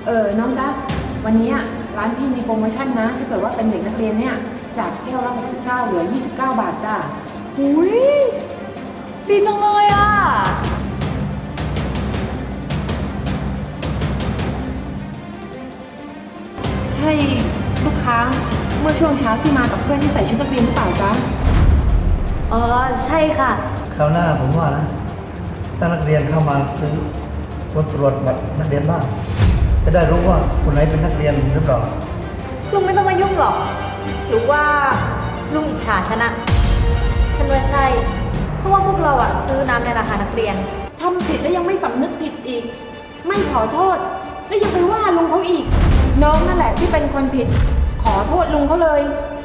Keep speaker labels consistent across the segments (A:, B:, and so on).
A: น้องจ๊ะวันนี้ร้านพี่มีโปรโมชั่นนะถ้าเกิดว่าเป็นเด็กนักเรียนเนี่ยจากแก้วละ69เหลือ29 บาทจ้ะ
B: อุ้ยดีจังเลยอ่ะ
A: ใช่ลูกค้าเมื่อช่วงเช้าที่มากับเพื่อนที่ใส่ชุดนักเรียนหรือเปล่าจ๊ะ
C: อ๋อใช่ค่ะ
D: คราวหน้าผมว่านะถ้านักเรียนเข้ามาซื้อตรวจบัตรนักเรียนบ้างจะได้รู้ว่าคนไหนเป็นนักเรียนหรือเปล่า
C: ลุงไม่ต้องมายุ่งหรอกหรือว่าลุงอิจฉาฉันอะฉันว่าใช่เพราะว่าพวกเราอะซื้อน้ำในราคานักเรียน
A: ทำผิดแล้วยังไม่สำนึกผิดอีกไม่ขอโทษแล้วยังไปว่าลุงเขาอีกน้องนั่นแหละที่เป็นคนผิดขอโทษลุงเขาเลย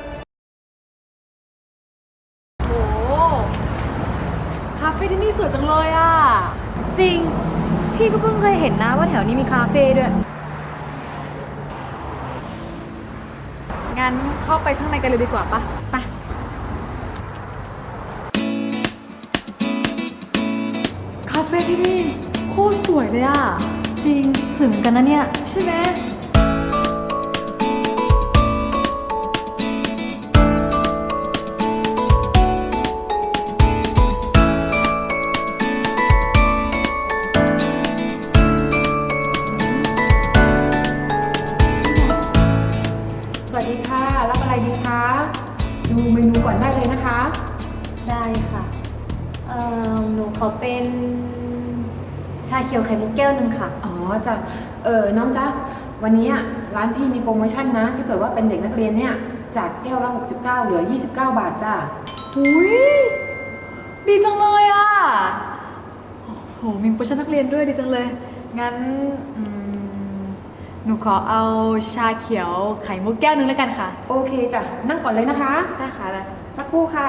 B: โอ้คาเฟ่ที่นี่สวยจังเลยอ่ะ
C: จริงพี่ก็เพิ่งเคยเห็นนะว่าแถวนี้มีคาเฟ่ด้วย
B: งั้นเข้าไปข้างในกันเลยดีกว่าปะไปคาเฟ่ที่นี่โคตรสวยเลยอ่ะ
C: จริงสวยเหมือนกันนะเนี่ย
B: ใช่ไหม
A: สวัสดีค่ะรับอะไรดีคะดูเมนูก่อนได้เลยนะคะ
C: ได้ค่ะหนูขอเป็นชาเขียวไข่มุกแก้วหนึ่งค่ะ
A: อ๋อจ้ะน้องจ๊ะวันนี้ร้านพี่มีโปรโมชั่นนะถ้าเกิดว่าเป็นเด็กนักเรียนเนี่ยจากแก้วละ69เหลือ29 บาทจ้ะ
B: อุ้ยดีจังเลยอ่ะโหมีโปรโมชั่นนักเรียนด้วยดีจังเลยงั้นหนูขอเอาชาเขียวไข่มุกแก้วนึงแล้วกันค่ะ
A: โอเคจ้ะนั่งก่อนเลยนะคะ
B: ได้ค่ะได้
A: สักครู่ค่ะ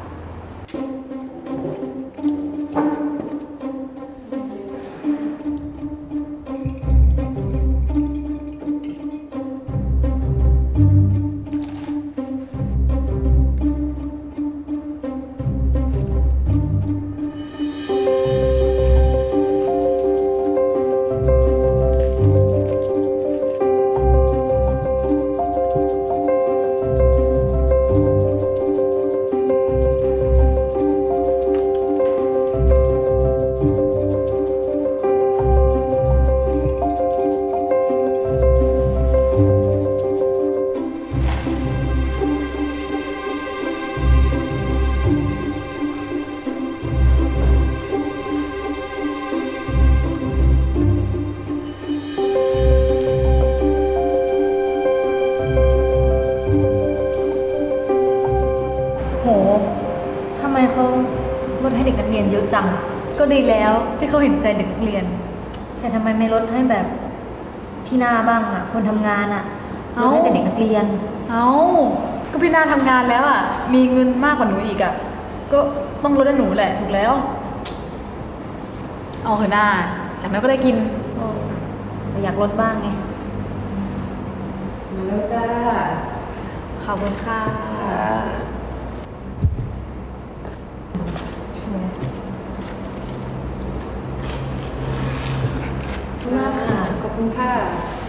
C: โหทำไมเขาลดให้เด็กนักเรียนเยอะจัง
B: ก็ดีแล้วที่เขาเห็นใจเด็กนักเรียน
C: แต่ทำไมไม่ลดให้แบบพี่นาบ้างอะคนทำงานอะลดให้แต่เด็กนักเรียน
B: ก็พี่นาทำงานแล้วอะมีเงินมากกว่าหนูอีกอะก็ต้องลดให้หนูแหละถูกแล้วเอาเถอะนาอย่างนั้นก็ได้กิน
C: อยากลดบ้างไง
A: มาแล้วจ้า
B: ขอบคุณค่ะใช่ไหม
A: มากค่ะขอบคุณค่ะ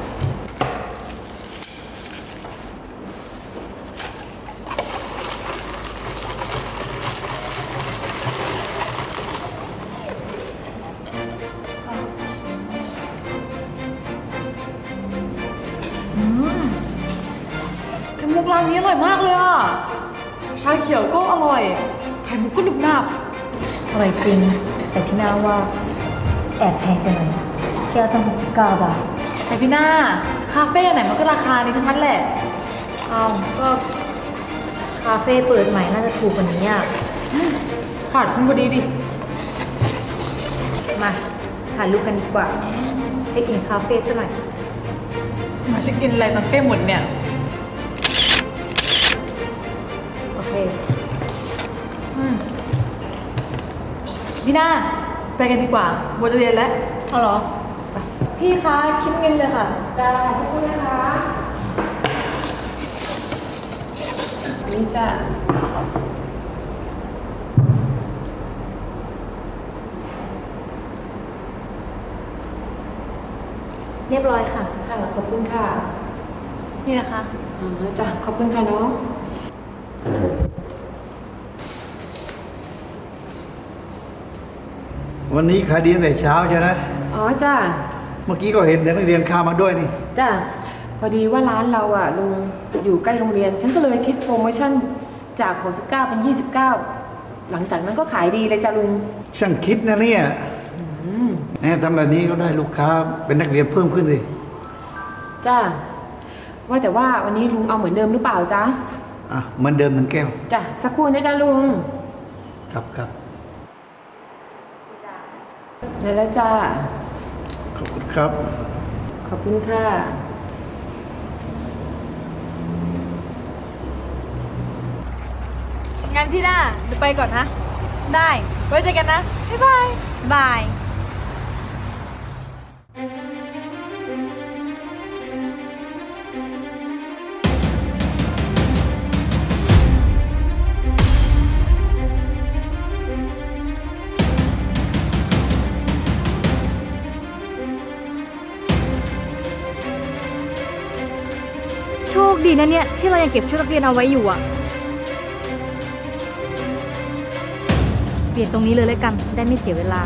B: ไข่มุกร้านนี้อร่อยมากเลยอ่ะชาเขียวก็อร่อยไข่มุกก็หนึบหนับ
C: อร่อยจริงแต่พี่นาว่าแอบแพงไปหน่อยแก้วตั้ง69 บาท
B: แต่พี่นาคาเฟ่ไหนมันก็ราคานี้ทั้งนั้นแหละ
C: ก็คาเฟ่เปิดใหม่น่าจะถูกกว่านี้อ่ะ
B: ผ่านคุณพอดีดิ
C: มาถ่ายรูปกันดีกว่าเช็คอินคาเฟ่ซะหน่อย
B: มาเช็คอินอะไรตอนใกล้หมดเนี่ย
C: โอเค
B: พี่นาไปกันดีกว่าโบจะเรียนแล้ว
C: เอาเหรอ
B: พี่คะคิดเงินเลยค่ะ
A: จ้าสักครู่นะคะนี่จ้ะ
C: อเรียบร้อยค่ะ
A: ค่ะขอบคุณค่ะ
B: นี่นะคะ
A: อ๋อจ้ะขอบคุณค่ะน้อง
D: วันนี้ขายดีตั้งแต่เช้าใช่ไหม
A: อ๋อจ้ะ
D: เมื่อกี้ก็เห็นเด็กนักเรียนเข้ามาด้วยนี่
A: จ้ะพอดีว่าร้านเราอ่ะลุงอยู่ใกล้โรงเรียน ฉันก็เลยคิดโปรโมชั่นจาก69เป็น29หลังจากนั้นก็ขายดีเลยจ้ะลุง
D: ช่างคิดนะเนี่ยแหมทำแบบนี้ก็ได้ลูกค้าเป็นนักเรียนเพิ่มขึ้นสิ
A: จ้ะว่าแต่ว่าวันนี้ลุงเอาเหมือนเดิมหรือเปล่าจ๊ะ
D: อ่ะเหมือนเดิมหนึ่งแก้ว
A: จ้ะสักครู่นะจ๊ะลุง
D: ครับครับ
A: เดี๋ยวแล้วจ้ะ
D: ขอบคุณครับ
A: ขอบคุณค่ะ
B: งั้นพี่หน้าเดี๋ยวไปก่อนนะ
C: ได้
B: ไว้เจอกันนะ บ๊ายบาย
C: บาย โชคดีนะเนี่ย ที่เรายังเก็บชุดนักเรียนเอาไว้อยู่อะเปลี่ยนตรงนี้เลยแล้วกัน ได้ไม่เสียเวลา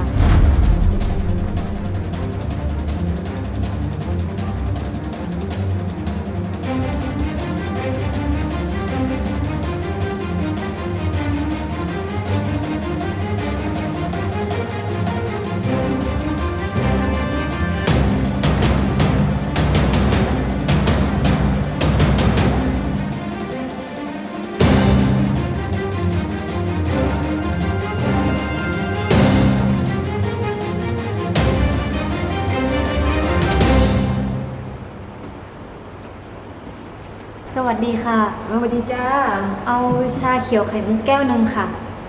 C: สวัสดีค่ะ
A: สวัสดีจ้า
C: เอาชาเขียวไข่มุกแก้วหนึ่งค่ะ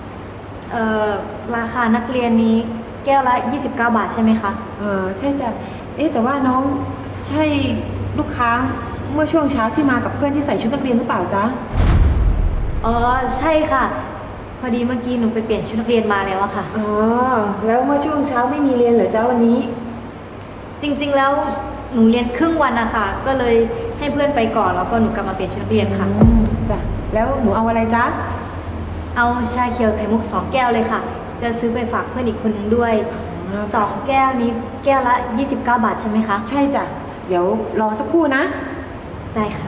C: ราคานักเรียนนี้แก้วละ 29 บาทใช่ไหมคะ
A: ใช่จ้ะ เอ๊ะแต่ว่าน้องใช่ลูกค้าเมื่อช่วงเช้าที่มากับเพื่อนที่ใส่ชุดนักเรียนหรือเปล่าจ๊ะ
C: อ๋อ ใช่ค่ะ พอดีเมื่อกี้หนูไปเปลี่ยนชุดนักเรียนมาแล้วอะค่ะ
A: อ๋อ แล้วเมื่อช่วงเช้าไม่มีเรียนเหรอจ๊ะวันนี้
C: จริงๆแล้วหนูเรียนครึ่งวันนะคะก็เลยให้เพื่อนไปก่อนแล้วก็หนูกลับมาเปลี่ยนชุดนักเรียนค่ะ
A: จ้ะ แล้วหนูเอาอะไรจ๊ะ
C: เอาชาเขียวไข่มุก2 แก้วเลยค่ะ จะซื้อไปฝากเพื่อนอีกคนนึงด้วย
A: อ๋อ
C: 2 แก้วนี้แก้วละ 29 บาทใช่ไหมคะ
A: ใช่จ้ะ เดี๋ยวรอสักครู่นะ
C: ได้ค่ะ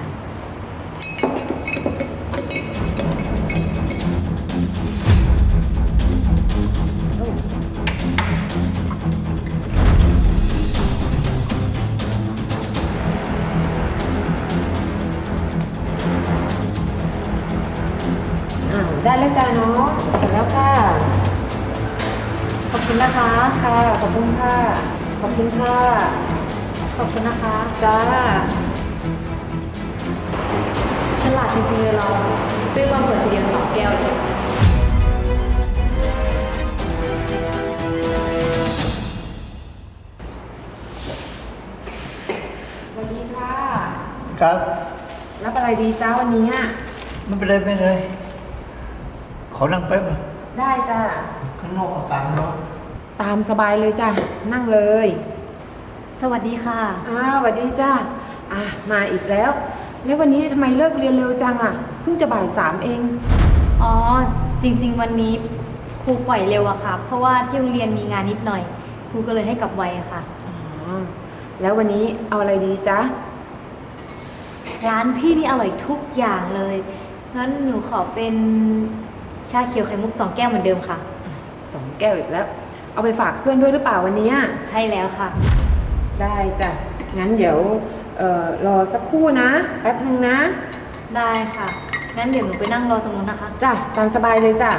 A: ได้แล้วจ้าน้องเสร็จแล้วค่ะ
C: ขอบคุณนะคะ
A: ค่ะ ขอบคุณค่ะ ขอบคุณค่ะ
C: ขอบคุณนะคะ
A: จ้า
C: ฉลาดจริงๆเลยเราซื้อมาเปิดทีเดียว2 แก้วเลย
A: สวัสดีค่ะ
D: ครับ
A: รับอะไรดีจ้าวันนี้
D: ไม่เป็นไรไม่เป็นไรขอนั่งแป๊บนะ
A: ได้จ้า
D: ข้างนอกอากาศร้อน
A: ตามสบายเลยจ้ะ นั่งเลย
C: สวัสดีค่ะ
A: สวัสดีจ้ามาอีกแล้ว แล้ววันนี้ทำไมเลิกเรียนเร็วจังอ่ะ เพิ่งจะบ่าย 3เอง
C: อ๋อ จริงๆวันนี้ครูปล่อยเร็วอะค่ะ เพราะว่าที่โรงเรียนมีงานนิดหน่อย ครูก็เลยให้กลับไวอะค่ะ
A: แล้ววันนี้เอาอะไรดีจ๊ะ
C: ร้านพี่นี่อร่อยทุกอย่างเลย งั้นหนูขอเป็นชาเขียวไข่มุก2 แก้วเหมือนเดิมค่ะ
A: 2 แก้วอีกแล้ว เอาไปฝากเพื่อนด้วยหรือเปล่าวันนี้
C: ใช่แล้วค่ะ
A: ได้จ้ะ งั้นเดี๋ยวรอสักครู่นะ แป๊บหนึ่งนะ
C: ได้ค่ะ งั้นเดี๋ยวหนูไปนั่งรอตรงนู้นนะคะ
A: จ้ะ ตามสบายเลยจ้ะ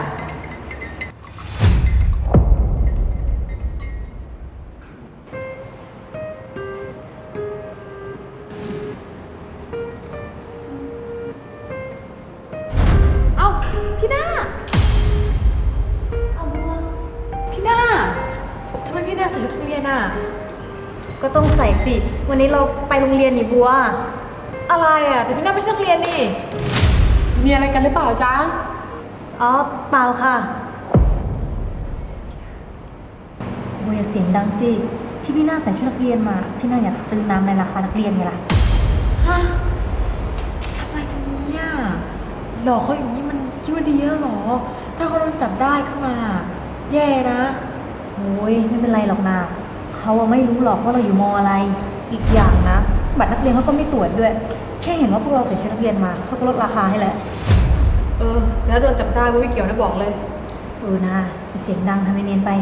B: เอ้า พี่หน้า
C: เอาบัว
B: พี่หน้าทำไมพี่หน้าใส่ชุดนักเรียนอ่ะ
C: ก็ต้องใส่สิ วันนี้เราไปโรงเรียนนี่บัว
B: อะไรอ่ะ แต่พี่หน้าไม่ใช่นักเรียนนี่
A: มีอะไรกันหรือเปล่าจ๊ะ
C: อ๋อ เปล่าค่ะบัวอย่าเสียงดังสิที่พี่หน้าใส่ชุดนักเรียนมา พี่หน้าอยากซื้อน้ำในราคานักเรียนไงล่ะ
B: ฮะทำไมกันเนี่ยหลอกเขาอย่างนี้มันคิดว่าดีแล้วเหรอ ถ้าเขาโดนจับได้ขึ้นมา แย่นะ
C: โอ้ยไม่เป็นไรหรอกนะเขาอะไม่รู้หรอกว่าเราอยู่มอะไร อีกอย่างนะ บัตรนักเรียนเขาก็ไม่ตรวจด้วย แค่เห็นว่าพวกเราใส่ชุดนักเรียนมาเขาก็ลดราคาให้แล้ว
B: แล้วโดนจับได้ไม่เกี่ยวนะบอกเลย
C: นะอย่าเสียงดังทำเนียนๆไป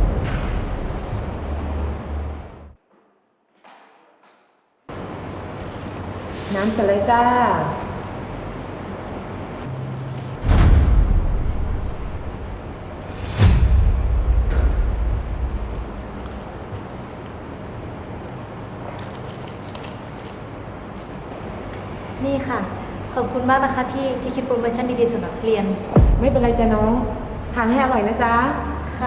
A: น้ำสไลด์จ้า
C: นี่ค่ะ ขอบคุณมากนะคะพี่ที่คิดโปรโมชั่นดีๆสำหรับนักเรียน
A: ไม่เป็นไรจ้ะน้องทานให้อร่อยนะจ๊ะ
C: ค่ะ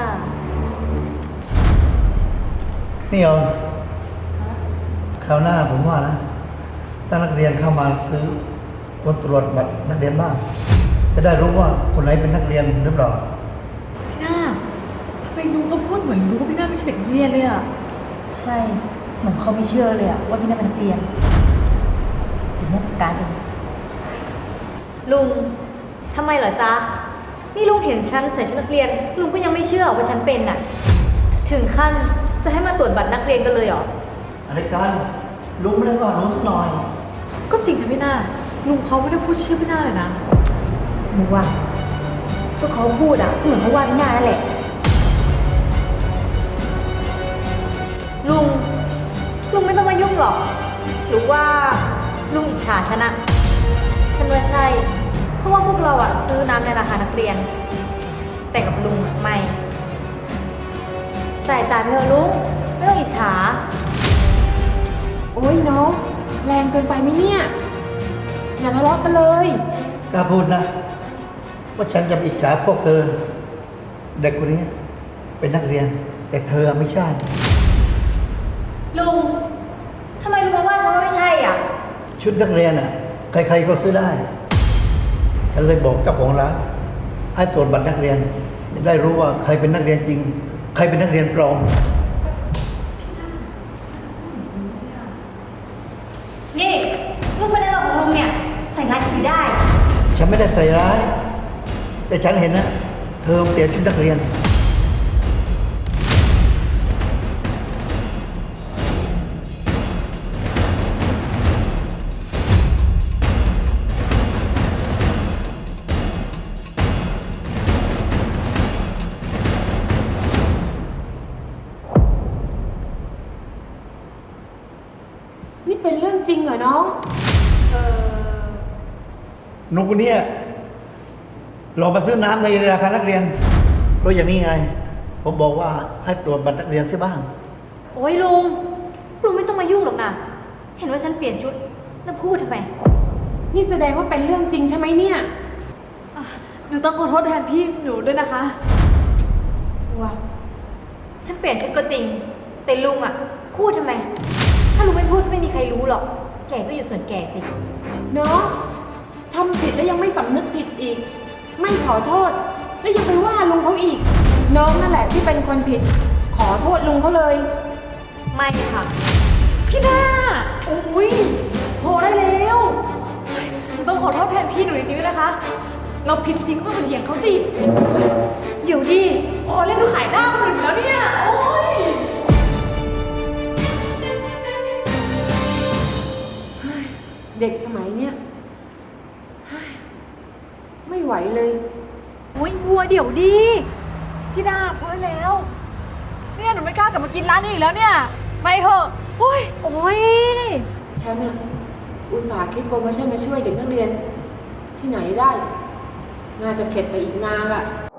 D: นี่ยอมคราวหน้าผมว่านะถ้านักเรียนเข้ามาซื้อคนตรวจบัตรนักเรียนบ้าง จะได้รู้ว่าคนไหนเป็นนักเรียนหรือเปล่า
B: พี่หน้าทำไมลุงเขาพูดเหมือนรู้ว่าพี่หน้าไม่ใช่เด็กนักเรียนเลยอ่ะ
C: ใช่ เหมือนเขาไม่เชื่อเลยอะว่าพี่น่าเป็นนักเรียนเดี๋ยวแม่จัดการเองลุงทำไมเหรอจ๊ะ นี่ลุงเห็นฉันใส่ชุดนักเรียน ลุงก็ยังไม่เชื่อว่าฉันเป็นน่ะ ถึงขั้นจะให้มาตรวจบัตรนักเรียนกันเลยเหรอ
D: อะไรกันลุงไม่ได้ว่าน้องสักหน่อย
B: ก็จริงนะพี่หน้า ลุงเขาไม่ได้พูดชื่อพี่หน้าเลยนะ
C: หนูว่าก็เขาพูดอะก็เหมือนเขาว่าพี่นานั่นแหละ ลุงไม่ต้องมายุ่งหรอก หรือว่าลุงอิจฉาฉันอะฉันว่าใช่ เพราะว่าพวกเราอะซื้อน้ำในราคานักเรียน แต่กับลุงอะไม่จ่ายไปเถอะลุงไม่ต้องอิจฉา
A: โอ้ยน้องแรงเกินไปไหมเนี่ย อย่าทะเลาะกันเลย
D: กล้าพูดนะ ว่าฉันจะอิจฉาพวกเธอ เด็กคนนี้เป็นนักเรียน แต่เธอไม่ใช่
C: ลุงทำไมลุงมาว่าฉันว่าไม่ใช่อ่ะ
D: ชุดนักเรียนอ่ะ ใครๆก็ซื้อได้ ฉันเลยบอกเจ้าของร้านให้ตรวจบัตรนักเรียน จะได้รู้ว่าใครเป็นนักเรียนจริง ใครเป็นนักเรียนปลอม
C: นี่ลุงเป็นอะไรของลุงเนี่ย ใส่ร้ายฉันไม่ได้
D: ฉันไม่ได้ใส่ร้าย แต่ฉันเห็นนะเธอเปลี่ยนชุดนักเรียน
A: นี่เป็นเรื่องจริงเหรอน้อง
D: หนุ่มคนนี้หลอกมาซื้อน้ำในราคานักเรียนเพราะอย่างนี้ไง ผมบอกว่าให้ตรวจบัตรนักเรียนเสียบ้าง
C: โอ้ยลุงไม่ต้องมายุ่งหรอกนะ เห็นว่าฉันเปลี่ยนชุดแล้วพูดทำไม
A: นี่แสดงว่าเป็นเรื่องจริงใช่ไหมเนี่ย
B: หนูต้องขอโทษแทนพี่หนูด้วยนะคะ
C: ว้าวฉันเปลี่ยนชุดก็จริง แต่ลุงอ่ะพูดทำไม ถ้าลุงไม่พูดก็ไม่มีใครรู้หรอก แก่ก็อยู่ส่วนแก่สิ
A: เนาะทำผิดแล้วยังไม่สำนึกผิดอีก ไม่ขอโทษ แล้วยังไปว่าลุงเขาอีก น้องนั่นแหละที่เป็นคนผิด ขอโทษลุงเขาเลย
C: ไม่ค่ะ
B: พี่หน้าโอ้ยพอได้แล้วหนูต้องขอโทษแทนพี่หนูจริงๆด้วยนะคะ เราผิดจริงก็ต้องไปเถียงเขาสิ
C: เดี๋ยวดิ
B: พอเล่นดูขายหน้าคนอื่นอยู่แล้วเนี่ย โอ้ย
A: เด็กสมัยเนี้ยเฮ้ยไม่ไหวเลย
B: โอ้ยวัวเดี๋ยวดี พี่หน้าพอได้แล้ว เนี่ยหนูไม่กล้ากลับมากินร้านนี้อีกแล้วเนี่ย ไปเถอะโอ้ย
C: โอ้ย
A: ฉันอะอุตส่าห์คิดโปรโมชั่นมาช่วยเด็กนักเรียน ที่ไหนได้ น่าจะเข็ดไปอีกนานละ